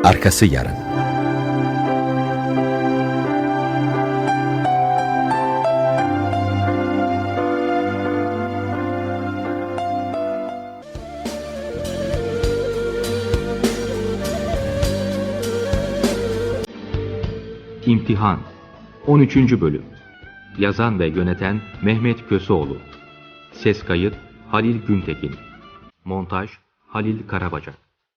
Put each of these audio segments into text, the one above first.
Arkası yarın. İmtihan 13. Bölüm. Yazan ve yöneten Mehmet Köseoğlu. Ses kayıt Halil Güntekin. Montaj Halil Karabacak.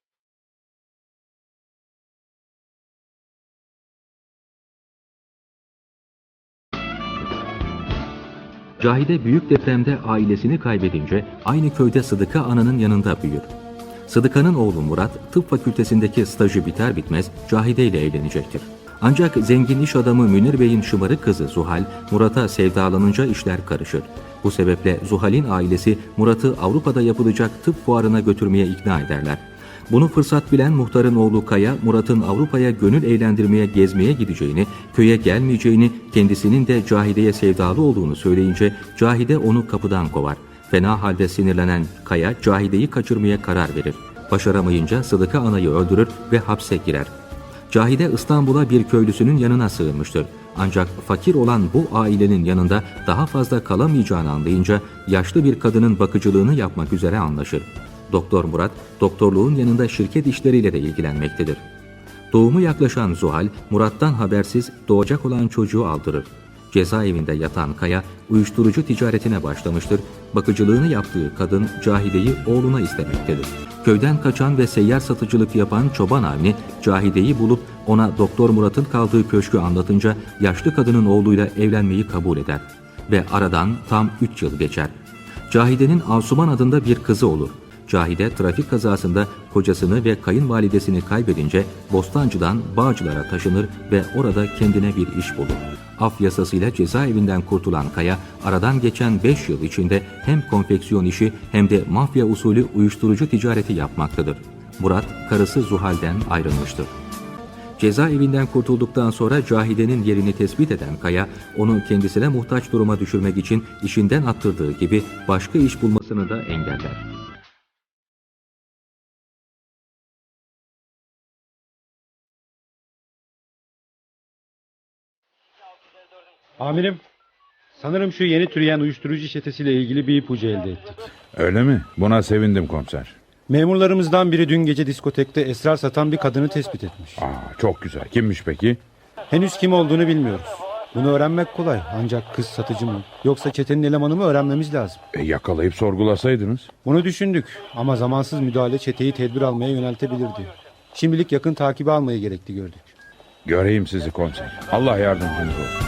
Cahide büyük depremde ailesini kaybedince aynı köyde Sıdıka Ana'nın yanında büyür. Sıdıka'nın oğlu Murat, tıp fakültesindeki stajı biter bitmez Cahide ile evlenecektir. Ancak zengin iş adamı Münir Bey'in şımarık kızı Zuhal, Murat'a sevdalanınca işler karışır. Bu sebeple Zuhal'in ailesi Murat'ı Avrupa'da yapılacak tıp fuarına götürmeye ikna ederler. Bunu fırsat bilen muhtarın oğlu Kaya, Murat'ın Avrupa'ya gönül eğlendirmeye gezmeye gideceğini, köye gelmeyeceğini, kendisinin de Cahide'ye sevdalı olduğunu söyleyince Cahide onu kapıdan kovar. Fena halde sinirlenen Kaya, Cahide'yi kaçırmaya karar verir. Başaramayınca Sıdıka Ana'yı öldürür ve hapse girer. Cahide İstanbul'a bir köylüsünün yanına sığınmıştır. Ancak fakir olan bu ailenin yanında daha fazla kalamayacağını anlayınca yaşlı bir kadının bakıcılığını yapmak üzere anlaşır. Doktor Murat, doktorluğun yanında şirket işleriyle de ilgilenmektedir. Doğumu yaklaşan Zuhal, Murat'tan habersiz doğacak olan çocuğu aldırır. Cezaevinde yatan Kaya, uyuşturucu ticaretine başlamıştır. Bakıcılığını yaptığı kadın Cahide'yi oğluna istemektedir. Köyden kaçan ve seyyar satıcılık yapan çoban Avni, Cahide'yi bulup ona Doktor Murat'ın kaldığı köşkü anlatınca yaşlı kadının oğluyla evlenmeyi kabul eder. Ve aradan tam 3 yıl geçer. Cahide'nin Asuman adında bir kızı olur. Cahide trafik kazasında kocasını ve kayınvalidesini kaybedince Bostancı'dan Bağcılar'a taşınır ve orada kendine bir iş bulur. Af yasasıyla cezaevinden kurtulan Kaya, aradan geçen 5 yıl içinde hem konfeksiyon işi hem de mafya usulü uyuşturucu ticareti yapmaktadır. Murat, karısı Zuhal'den ayrılmıştır. Cezaevinden kurtulduktan sonra Cahide'nin yerini tespit eden Kaya, onu kendisine muhtaç duruma düşürmek için işinden attırdığı gibi başka iş bulmasını da engeller. Amirim, sanırım şu yeni türeyen uyuşturucu çetesiyle ilgili bir ipucu elde ettik. Öyle mi? Buna sevindim komiser. Memurlarımızdan biri dün gece diskotekte esrar satan bir kadını tespit etmiş. Çok güzel. Kimmiş peki? Henüz kim olduğunu bilmiyoruz. Bunu öğrenmek kolay, ancak kız satıcı mı yoksa çetenin elemanı mı öğrenmemiz lazım. Yakalayıp sorgulasaydınız. Bunu düşündük ama zamansız müdahale çeteyi tedbir almaya yöneltebilirdi. Şimdilik yakın takibi almayı gerekli gördük. Göreyim sizi komiser. Allah yardımcınız olsun.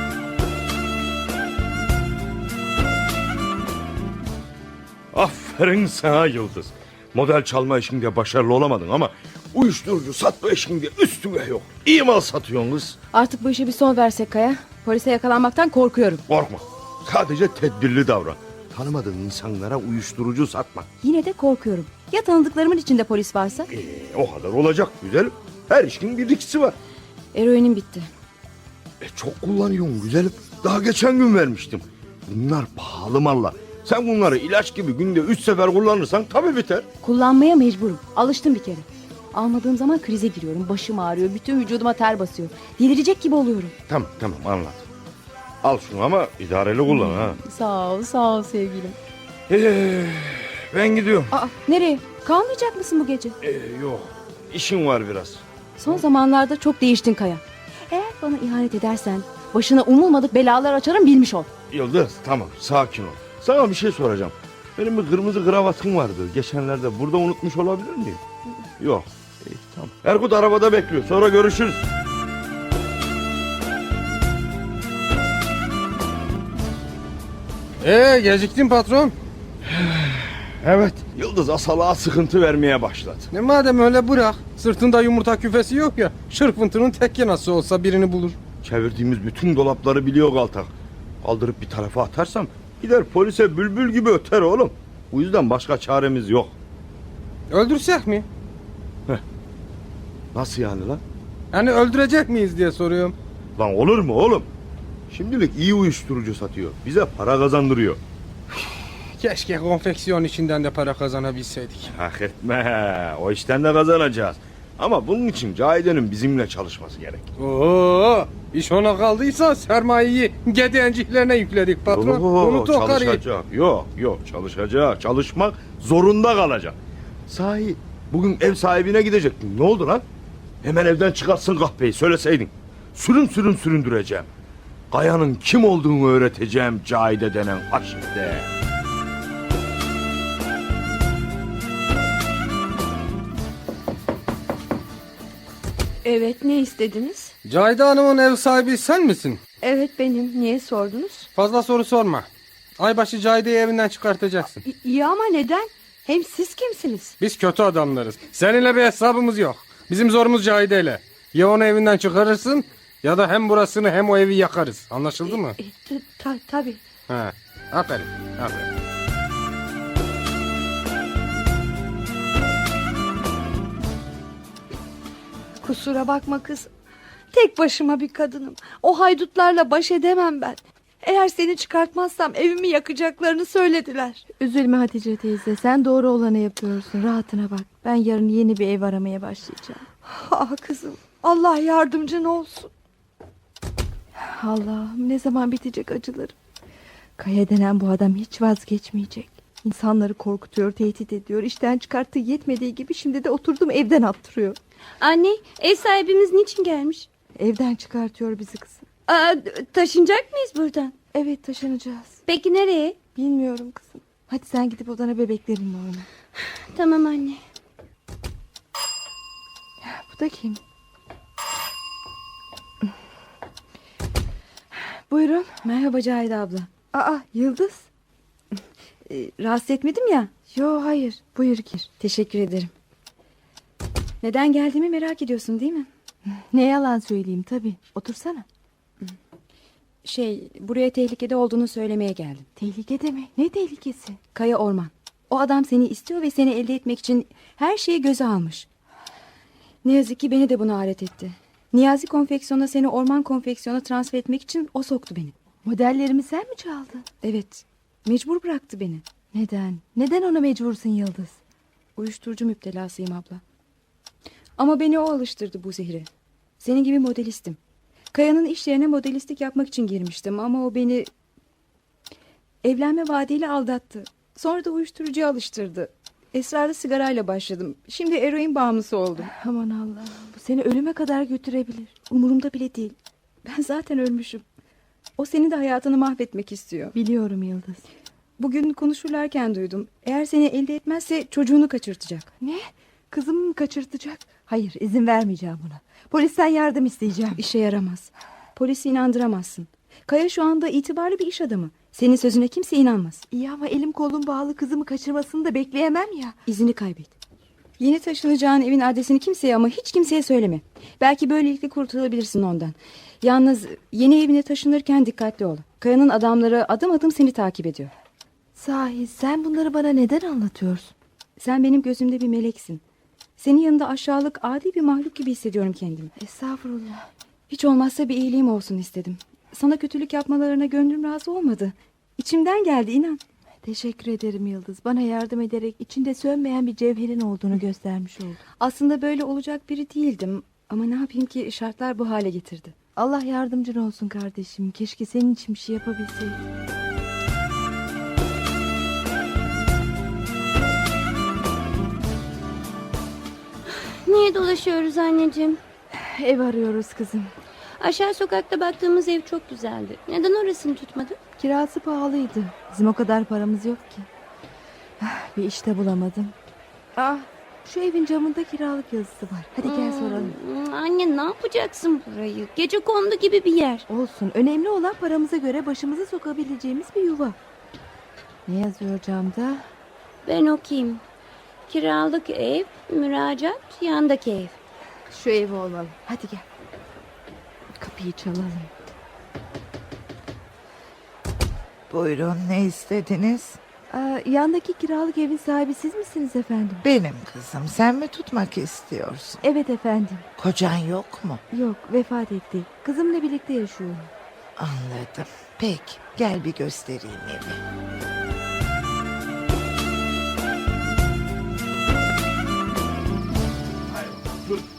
Aferin sana Yıldız. Model çalma işinde başarılı olamadın ama uyuşturucu satma işinde üstüne yok. İyi mal satıyorsun kız. Artık bu işe bir son versek Kaya. Polise yakalanmaktan korkuyorum. Korkma. Sadece tedbirli davran. Tanımadığın insanlara uyuşturucu satma. Yine de korkuyorum. Ya tanıdıklarımın içinde polis varsa? O kadar olacak güzelim. Her işin bir ikisi var. Eroinim bitti. Çok kullanıyorsun güzelim. Daha geçen gün vermiştim. Bunlar pahalı mallar. Sen bunları ilaç gibi günde 3 sefer kullanırsan tabii biter. Kullanmaya mecburum. Alıştım bir kere. Almadığım zaman krize giriyorum. Başım ağrıyor. Bütün vücuduma ter basıyor. Delirecek gibi oluyorum. Tamam anladım. Al şunu ama idareli kullan ha. Sağ ol sevgilim. Ben gidiyorum. Nereye? Kalmayacak mısın bu gece? Yok. İşim var biraz. Son zamanlarda çok değiştin Kaya. Eğer bana ihanet edersen başına umulmadık belalar açarım, bilmiş ol. Yıldız tamam sakin ol. Sana bir şey soracağım. Benim bir kırmızı kravatım vardı. Geçenlerde burada unutmuş olabilir miyim? Yok. Tamam. Erkut arabada bekliyor. Sonra görüşürüz. Geciktin patron. Evet. Yıldız asalığa sıkıntı vermeye başladı. Ne madem öyle bırak. Sırtında yumurta küfesi yok ya. Şırfıntının tekke nasıl olsa birini bulur. Çevirdiğimiz bütün dolapları biliyor Galtak. Kaldırıp bir tarafa atarsam gider polise bülbül gibi öter oğlum. Bu yüzden başka çaremiz yok. Öldürsek mi? Nasıl yani lan? Yani öldürecek miyiz diye soruyorum. Lan olur mu oğlum? Şimdilik iyi uyuşturucu satıyor. Bize para kazandırıyor. Keşke konfeksiyon içinden de para kazanabilseydik. Hak etme. O işten de kazanacağız. Ama bunun için Cahide'nin bizimle çalışması gerek. Oo, iş ona kaldıysa sermayeyi gedenciklerine yükledik patron. Unut o karıyı. Çalışacak. Yok çalışacak. Çalışmak zorunda kalacak. Sahi bugün ev sahibine gidecektin. Ne oldu lan? Hemen evden çıkartsın kahpeyi söyleseydin. Sürün süründüreceğim. Kaya'nın kim olduğunu öğreteceğim Cahide denen aşikte. Evet, ne istediniz? Cahide Hanım'ın ev sahibi sen misin? Evet benim. Niye sordunuz? Fazla soru sorma. Aybaşı Cahide'yi evinden çıkartacaksın. İyi ama neden? Hem siz kimsiniz? Biz kötü adamlarız. Seninle bir hesabımız yok. Bizim zorumuz Cahide'yle. Ya onu evinden çıkarırsın ya da hem burasını hem o evi yakarız. Anlaşıldı mı? Tabii. Ha. Aferin. Kusura bakma kız. Tek başıma bir kadınım. O haydutlarla baş edemem ben. Eğer seni çıkartmazsam evimi yakacaklarını söylediler. Üzülme Hatice teyze, sen doğru olanı yapıyorsun. Rahatına bak. Ben yarın yeni bir ev aramaya başlayacağım. Ah kızım, Allah yardımcın olsun. Allah'ım, ne zaman bitecek acılarım. Kaya denen bu adam hiç vazgeçmeyecek. İnsanları korkutuyor, tehdit ediyor. İşten çıkarttığı yetmediği gibi şimdi de oturdum evden attırıyor. Anne, ev sahibimiz niçin gelmiş? Evden çıkartıyor bizi kızım. Taşınacak mıyız buradan? Evet, taşınacağız. Peki nereye? Bilmiyorum kızım. Hadi sen gidip odana bebeklerinle oyna. Tamam anne. Bu da kim? Buyurun. Merhaba Cahide abla. Aa, Yıldız. Rahatsız etmedim ya. Yo, hayır. Buyur gir. Teşekkür ederim. Neden geldiğimi merak ediyorsun değil mi? Ne yalan söyleyeyim tabii. Otursana. Buraya tehlikede olduğunu söylemeye geldim. Tehlikede mi? Ne tehlikesi? Kaya Orman. O adam seni istiyor ve seni elde etmek için her şeyi göze almış. Ne yazık ki beni de buna alet etti. Niyazi Konfeksiyon'a seni Orman Konfeksiyon'a transfer etmek için o soktu beni. Modellerimi sen mi çaldın? Evet. Mecbur bıraktı beni. Neden? Neden ona mecbursun Yıldız? Uyuşturucu müptelasıyım abla. Ama beni o alıştırdı bu zehre. Senin gibi modelistim. Kaya'nın iş yerine modelistlik yapmak için girmiştim ama o beni evlenme vaadiyle aldattı. Sonra da uyuşturucuya alıştırdı. Esrarlı sigarayla başladım. Şimdi eroin bağımlısı oldum. Aman Allah'ım, bu seni ölüme kadar götürebilir. Umurumda bile değil. Ben zaten ölmüşüm. O senin de hayatını mahvetmek istiyor. Biliyorum Yıldız. Bugün konuşurlarken duydum. Eğer seni elde etmezse çocuğunu kaçırtacak. Ne? Kızımı mı kaçırtacak? Hayır, izin vermeyeceğim buna. Polisten yardım isteyeceğim. İşe yaramaz. Polisi inandıramazsın. Kaya şu anda itibarlı bir iş adamı. Senin sözüne kimse inanmaz. İyi ama elim kolum bağlı, kızımı kaçırmasını da bekleyemem ya. İzini kaybet. Yeni taşınacağın evin adresini kimseye ama hiç kimseye söyleme. Belki böylelikle kurtulabilirsin ondan. Yalnız yeni evine taşınırken dikkatli ol. Kaya'nın adamları adım adım seni takip ediyor. Sahi sen bunları bana neden anlatıyorsun? Sen benim gözümde bir meleksin. Senin yanında aşağılık, adi bir mahluk gibi hissediyorum kendimi. Estağfurullah. Hiç olmazsa bir iyiliğim olsun istedim. Sana kötülük yapmalarına gönlüm razı olmadı. İçimden geldi, inan. Teşekkür ederim Yıldız. Bana yardım ederek içinde sönmeyen bir cevherin olduğunu göstermiş oldun. Aslında böyle olacak biri değildim. Ama ne yapayım ki şartlar bu hale getirdi. Allah yardımcın olsun kardeşim. Keşke senin için bir şey yapabilseydim. Niye dolaşıyoruz anneciğim? Ev arıyoruz kızım. Aşağı sokakta baktığımız ev çok güzeldi. Neden orasını tutmadın? Kirası pahalıydı. Bizim o kadar paramız yok ki. Bir işte bulamadım. Şu evin camında kiralık yazısı var. Hadi gel soralım. Anne, ne yapacaksın burayı? Gecekondu gibi bir yer. Olsun. Önemli olan paramıza göre başımızı sokabileceğimiz bir yuva. Ne yazıyor camda? Ben okuyayım. Kiralık ev, müracaat, yandaki ev. Şu ev olmalı. Hadi gel. Kapıyı çalalım. Buyurun, ne istediniz? Yandaki kiralık evin sahibi siz misiniz efendim? Benim kızım, sen mi tutmak istiyorsun? Evet efendim. Kocan yok mu? Yok, vefat etti. Kızımla birlikte yaşıyorum. Anladım. Peki, gel bir göstereyim evi. Dur.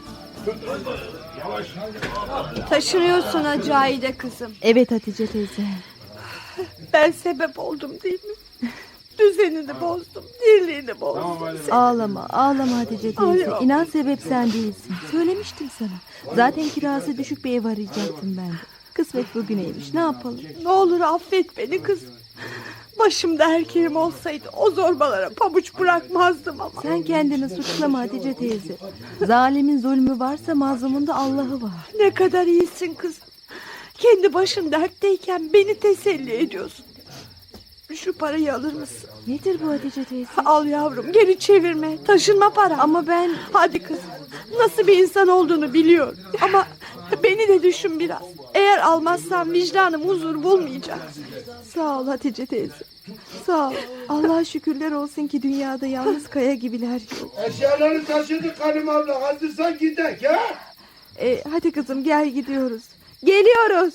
Taşınıyorsun ha Cahide kızım. Evet Hatice teyze. Ben sebep oldum değil mi? Düzenini bozdum, dirliğini bozdum. Ağlama Hatice teyze. Ay, İnan sebep sen değilsin. Söylemiştim sana. Zaten kirası düşük bir ev arayacaktım ben de. Kısmet bugüneymiş, ne yapalım? Ne olur affet beni kızım. Başımda erkeğim olsaydı o zorbalara pabuç bırakmazdım ama. Sen kendini suçlama Hatice teyze. Zalimin zulmü varsa mazlumun da Allah'ı var. Ne kadar iyisin kızım. Kendi başın dertteyken beni teselli ediyorsun. Şu parayı alır mısın? Nedir bu Hatice teyze? Al yavrum, geri çevirme. Taşınma para. Ama ben... Hadi kızım. Nasıl bir insan olduğunu biliyorum. Ama beni de düşün biraz. Eğer almazsam vicdanım huzur bulmayacak. Sağ ol Hatice teyze. Sağ ol. Allah'a şükürler olsun ki dünyada yalnız kaya gibiler yok. Eşyaları taşıdık Halim abla. Hazırsan gidek ya. Hadi kızım gel gidiyoruz. Geliyoruz.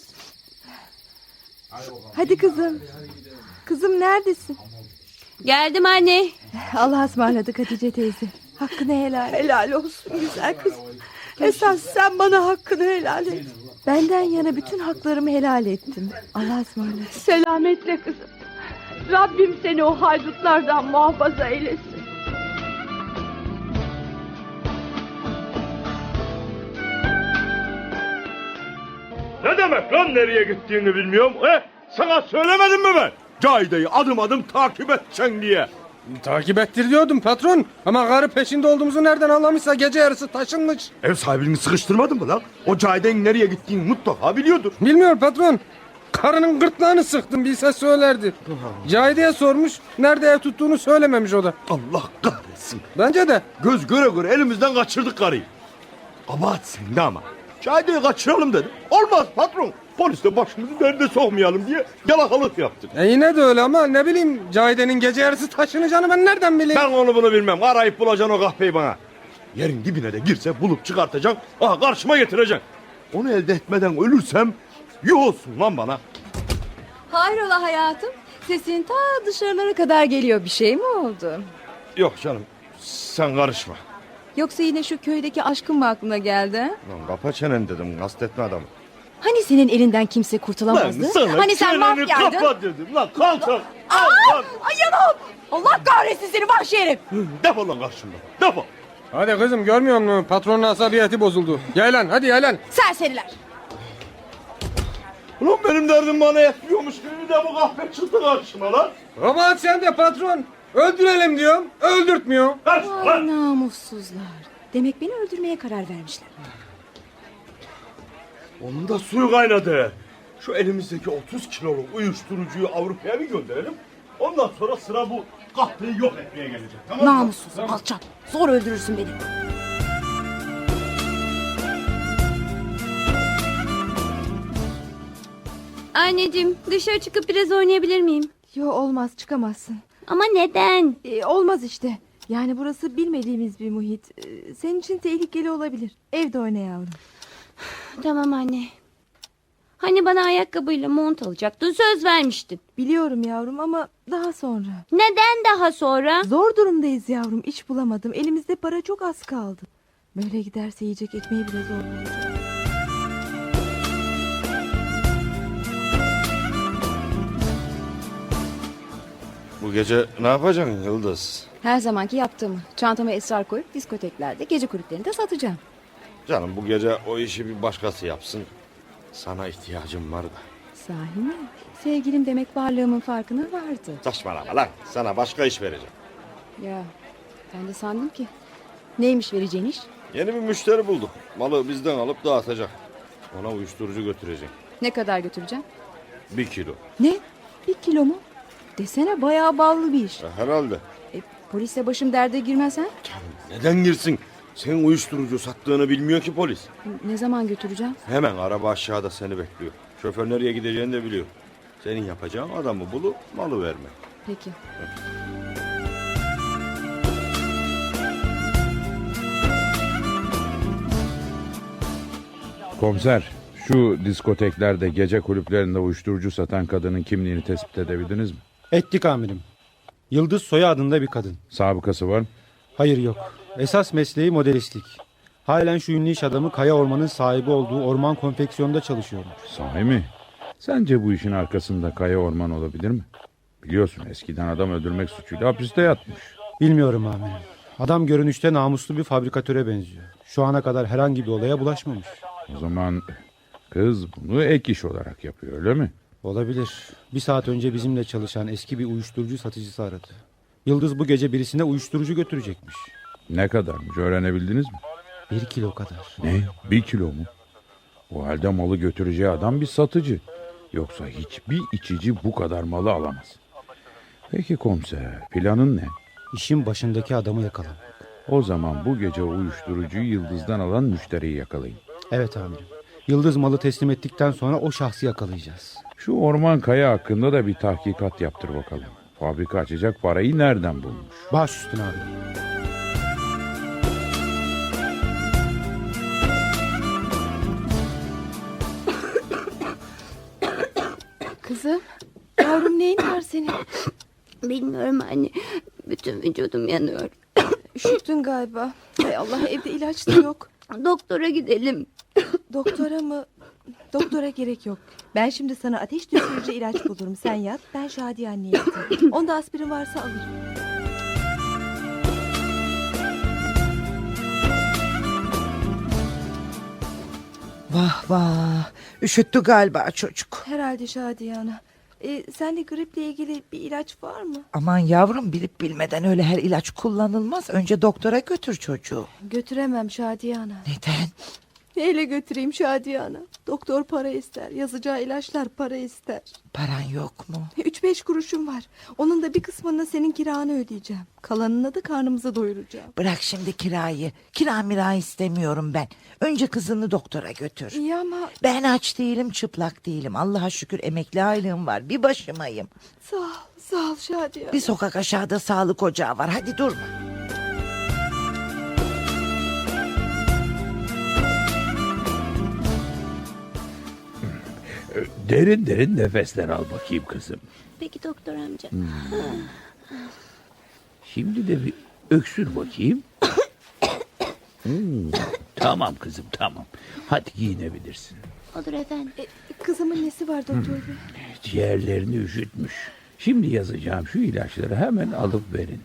Hadi kızım. Kızım neredesin? Geldim anne. Allah'a ısmarladık Hatice teyze. Hakkını helal et. Helal olsun güzel kızım. Esas sen bana hakkını helal et. Benden yana bütün haklarımı helal ettim. Allah'a ısmarladık. Selametle kızım. Rabbim seni o haydutlardan muhafaza eylesin. Ne demek lan nereye gittiğini bilmiyorum. Sana söylemedim mi ben? Cahide'yi adım adım takip edeceksin diye. Takip ettir diyordum patron. Ama karı peşinde olduğumuzu nereden anlamışsa gece yarısı taşınmış. Ev sahibini sıkıştırmadın mı lan? O Cahide'nin nereye gittiğini mutlaka biliyordur. Bilmiyor patron. Karının gırtlağını sıktım bilse söylerdi. Cahide'ye sormuş, nerede ev tuttuğunu söylememiş o da. Allah kahretsin. Bence de. Göz göre göre elimizden kaçırdık karıyı. Kabahat sende ama. Cahide'yi kaçıralım dedim. Olmaz patron. Polis de başımızı derde sokmayalım diye yalakalık yaptık. Yine de öyle ama ne bileyim Cahide'nin gece yarısı taşınacağını ben nereden bileyim? Ben onu bunu bilmem. Arayıp bulacaksın o kahpeyi bana. Yerin dibine de girse bulup çıkartacaksın. Aha karşıma getireceksin. Onu elde etmeden ölürsem yuh olsun lan bana. Hayrola hayatım? Sesin ta dışarılara kadar geliyor. Bir şey mi oldu? Yok canım sen karışma. Yoksa yine şu köydeki aşkın mı aklına geldi? Lan kapa çenen dedim kastetme adamı. Hani senin elinden kimse kurtulamazdı? Hani sen mafyaydın? Kapa dedim lan kalk lan. Ay yanım! Allah kahretsin seni vahşi herif! Defol lan karşımdan defol. Hadi kızım görmüyor musun? Patronun asabiyeti bozuldu. Yaylan hadi yaylan. Serseriler! Ulan benim derdim bana yetmiyormuş gibi bir de bu kahpe çıktı karşıma lan. Kabahat sende patron. Öldürelim diyorum. Öldürtmüyor. Kaç Ay lan. namussuzlar. Demek beni öldürmeye karar vermişler. Onun da suyu kaynadı. Şu elimizdeki 30 kiloluk uyuşturucuyu Avrupa'ya bir gönderelim. Ondan sonra sıra bu kahpeyi yok etmeye gelecek. Tamam mı? Namussuz, alçak. Zor öldürürsün beni. Anneciğim dışarı çıkıp biraz oynayabilir miyim? Yo olmaz çıkamazsın. Ama neden? Olmaz işte. Yani burası bilmediğimiz bir muhit. Senin için tehlikeli olabilir. Evde oyna yavrum. Tamam anne. Hani bana ayakkabıyla mont alacaktın, söz vermiştin. Biliyorum yavrum ama daha sonra. Neden daha sonra? Zor durumdayız yavrum. İş bulamadım. Elimizde para çok az kaldı. Böyle giderse yiyecek ekmeği bile zor bulacağız. Bu gece ne yapacaksın Yıldız? Her zamanki yaptığımı. Çantama esrar koyup diskoteklerde, gece kulüplerinde satacağım. Canım bu gece o işi bir başkası yapsın. Sana ihtiyacım var da. Sahi mi? Sevgilim demek varlığımın farkına vardı. Saçmalama lan. Sana başka iş vereceğim. Ya ben de sandım ki. Neymiş vereceğin iş? Yeni bir müşteri bulduk. Malı bizden alıp dağıtacak. Ona uyuşturucu götürecek. Ne kadar götüreceğim? 1 kilo. Ne? 1 kilo mu? Desene bayağı ballı bir iş. Herhalde. Polisle başım derde girmez ha? Neden girsin? Senin uyuşturucu sattığını bilmiyor ki polis. Ne zaman götüreceğim? Hemen araba aşağıda seni bekliyor. Şoför nereye gideceğini de biliyor. Senin yapacağın adamı bulup malı verme. Peki. Komiser, şu diskoteklerde, gece kulüplerinde uyuşturucu satan kadının kimliğini tespit edebildiniz mi? Ettik amirim. Yıldız soyadında bir kadın. Sabıkası var mı? Hayır yok. Esas mesleği modelistlik. Halen şu ünlü iş adamı Kaya Orman'ın sahibi olduğu orman konfeksiyonunda çalışıyormuş. Sahi mi? Sence bu işin arkasında Kaya Orman olabilir mi? Biliyorsun eskiden adam öldürmek suçuyla hapiste yatmış. Bilmiyorum amirim. Adam görünüşte namuslu bir fabrikatöre benziyor. Şu ana kadar herhangi bir olaya bulaşmamış. O zaman kız bunu ek iş olarak yapıyor, öyle mi? Olabilir. Bir saat önce bizimle çalışan eski bir uyuşturucu satıcısı aradı. Yıldız bu gece birisine uyuşturucu götürecekmiş. Ne kadarmış, öğrenebildiniz mi? 1 kilo kadar. Ne? 1 kilo mu? O halde malı götüreceği adam bir satıcı. Yoksa hiçbir içici bu kadar malı alamaz. Peki komiser, planın ne? İşin başındaki adamı yakalamak. O zaman bu gece uyuşturucuyu Yıldız'dan alan müşteriyi yakalayın. Evet amirim. Yıldız malı teslim ettikten sonra o şahsı yakalayacağız. Şu Orman Kaya hakkında da bir tahkikat yaptır bakalım. Fabrika açacak parayı nereden bulmuş? Baş üstüne amirim. Kızım, yavrum neyin var senin? Bilmiyorum anne. Bütün vücudum yanıyor. Üşüttün galiba. Hay Allah, evde ilaç da yok. Doktora gidelim. Doktora mı? Doktora gerek yok. Ben şimdi sana ateş düşürücü ilaç bulurum. Sen yat, ben Şadiye anneye yatayım. Onda aspirin varsa alırım. Vah vah. Üşüttü galiba çocuk. Herhalde Şadiye ana. Sende griple ilgili bir ilaç var mı? Aman yavrum, bilip bilmeden öyle her ilaç kullanılmaz. Önce doktora götür çocuğu. Götüremem Şadiye ana. Neden? Neyle götüreyim Şadiye ana? Doktor para ister. Yazacağı ilaçlar para ister. Paran yok mu? 3-5 kuruşum var. Onun da bir kısmını senin kiranı ödeyeceğim. Kalanını da karnımıza doyuracağım. Bırak şimdi kirayı. Kira mira istemiyorum ben. Önce kızını doktora götür. İyi ama... Ben aç değilim, çıplak değilim. Allah'a şükür emekli aylığım var. Bir başımayım. Sağ ol Şadiye ana. Bir sokak aşağıda sağlık ocağı var. Hadi durma. Derin derin nefesler al bakayım kızım. Peki doktor amca. Şimdi de bir öksür bakayım. Tamam kızım, tamam. Hadi giyinebilirsin. Olur efendim. Kızımın nesi var doktor bey? Ciğerlerini üşütmüş. Şimdi yazacağım şu ilaçları hemen alıp verin.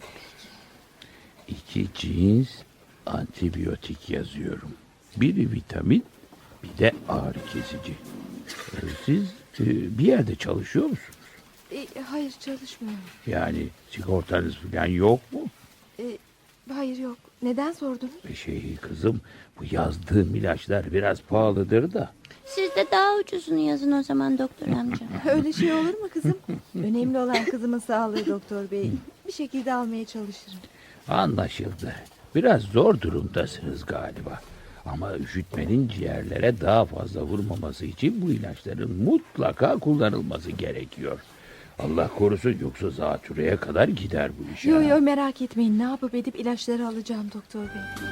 2 cins antibiyotik yazıyorum. Biri vitamin, bir de ağrı kesici. Siz bir yerde çalışıyor musunuz? Hayır, çalışmıyorum. Yani sigortanız falan yok mu? Hayır, yok. Neden sordun? Kızım, bu yazdığım ilaçlar biraz pahalıdır da. Siz de daha ucuzunu yazın o zaman doktor amca. Öyle şey olur mu kızım? Önemli olan kızımın sağlığı doktor bey. Bir şekilde almaya çalışırım. Anlaşıldı. Biraz zor durumdasınız galiba. Ama üşütmenin ciğerlere daha fazla vurmaması için bu ilaçların mutlaka kullanılması gerekiyor. Allah korusun, yoksa zatürreye kadar gider bu iş. Yo merak etmeyin, ne yapıp edip ilaçları alacağım doktor bey.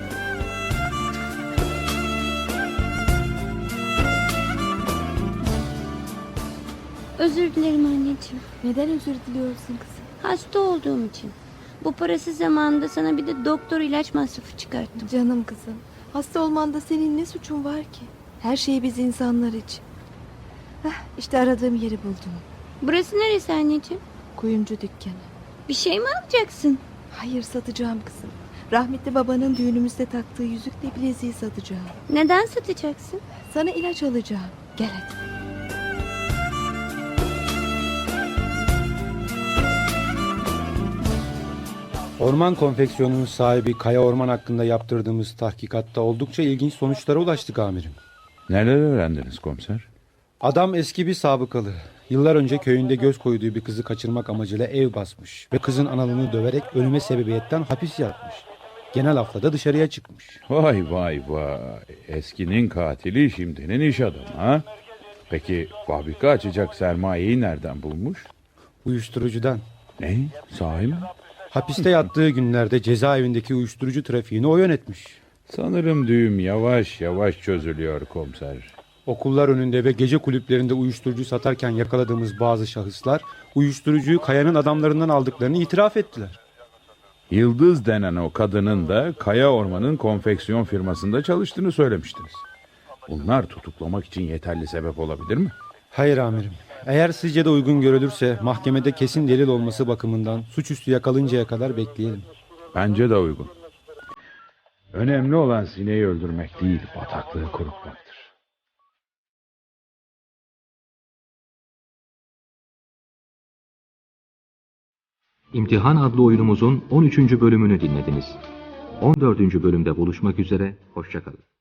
Özür dilerim anneciğim. Neden özür diliyorsun kızım? Hasta olduğum için. Bu parasız zamanında sana bir de doktor ilaç masrafı çıkarttım. Canım kızım, hasta olmanda senin ne suçun var ki? Her şey biz insanlar için. İşte aradığım yeri buldum. Burası neresi anneciğim? Kuyumcu dükkanı. Bir şey mi alacaksın? Hayır, satacağım kızım. Rahmetli babanın düğünümüzde taktığı yüzükle bileziği satacağım. Neden satacaksın? Sana ilaç alacağım. Gel hadi. Orman konfeksiyonunun sahibi Kaya Orman hakkında yaptırdığımız tahkikatta oldukça ilginç sonuçlara ulaştık amirim. Neler öğrendiniz komiser? Adam eski bir sabıkalı. Yıllar önce köyünde göz koyduğu bir kızı kaçırmak amacıyla ev basmış ve kızın analını döverek ölüme sebebiyetten hapis yatmış. Genel hafta da dışarıya çıkmış. Vay vay vay. Eskinin katili şimdinin iş adamı ha? Peki fabrika açacak sermayeyi nereden bulmuş? Uyuşturucudan. Ne? Sahi mi? Hapiste yattığı günlerde cezaevindeki uyuşturucu trafiğini o yönetmiş. Sanırım düğüm yavaş yavaş çözülüyor komiser. Okullar önünde ve gece kulüplerinde uyuşturucu satarken yakaladığımız bazı şahıslar uyuşturucuyu Kaya'nın adamlarından aldıklarını itiraf ettiler. Yıldız denen o kadının da Kaya Orman'ın konfeksiyon firmasında çalıştığını söylemiştiniz. Bunlar tutuklamak için yeterli sebep olabilir mi? Hayır amirim. Eğer sizce de uygun görülürse mahkemede kesin delil olması bakımından suçüstü yakalıncaya kadar bekleyelim. Bence de uygun. Önemli olan sineği öldürmek değil, bataklığı kurutmaktır. İmtihan adlı oyunumuzun 13. bölümünü dinlediniz. 14. bölümde buluşmak üzere, hoşça kalın.